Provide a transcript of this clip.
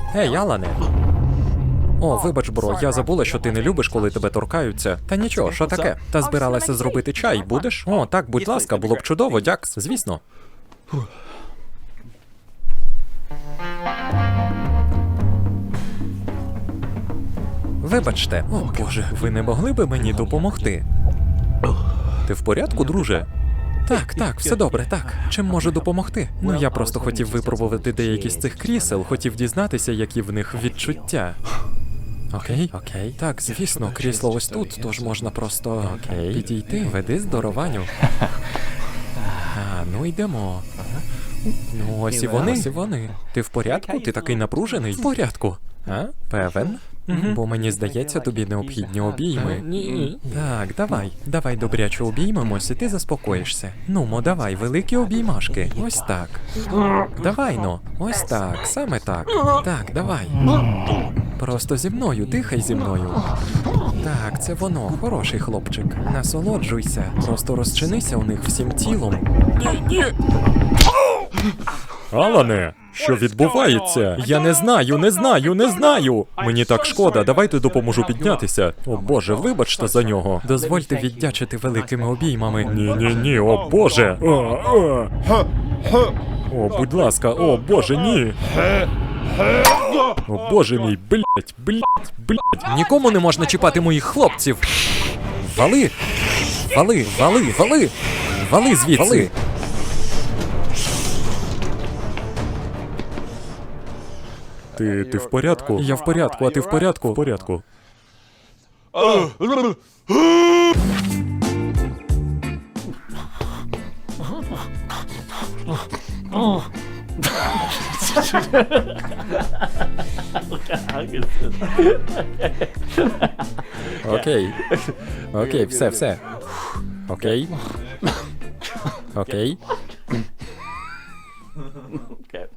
Ей, Алане. О, вибач, бро, я забула, що ти не любиш, коли тебе торкаються. Та нічого, що таке? Та збиралася зробити чай, будеш? О, так, будь ласка, було б чудово, дяк, звісно. Вибачте, о боже, ви не могли би мені допомогти? Ти в порядку, друже? Так, все добре, так. Чим можу допомогти? Ну, я просто хотів випробувати деякі з цих крісел, хотів дізнатися, які в них відчуття. Окей. Так, звісно, крісло ось тут, тож можна просто підійти. Веди здорованю. Ну йдемо. Ну, ось і вони. Ти в порядку? Ти такий напружений? В порядку. Певен? Бо мені здається, тобі необхідні обійми. Ні. Так, давай добряче обіймемось, і ти заспокоїшся. Нумо, давай, великі обіймашки. Ось так. Давай, ну. Ось так, саме так. Так, давай. Просто зі мною, дихай зі мною. Так, це воно, хороший хлопчик. Насолоджуйся, просто розчинися у них всім тілом. Ні. Алане, що відбувається? Я не знаю. Мені так шкода, давайте допоможу піднятися. О боже, вибачте за нього. Дозвольте віддячити великими обіймами. Ні, о боже. О, будь ласка, о боже, ні. О боже мій, блять. Нікому не можна чіпати моїх хлопців. Вали звідси. Ти в порядку? Я в порядку, а ти в порядку? В порядку. Окей, все. Окей.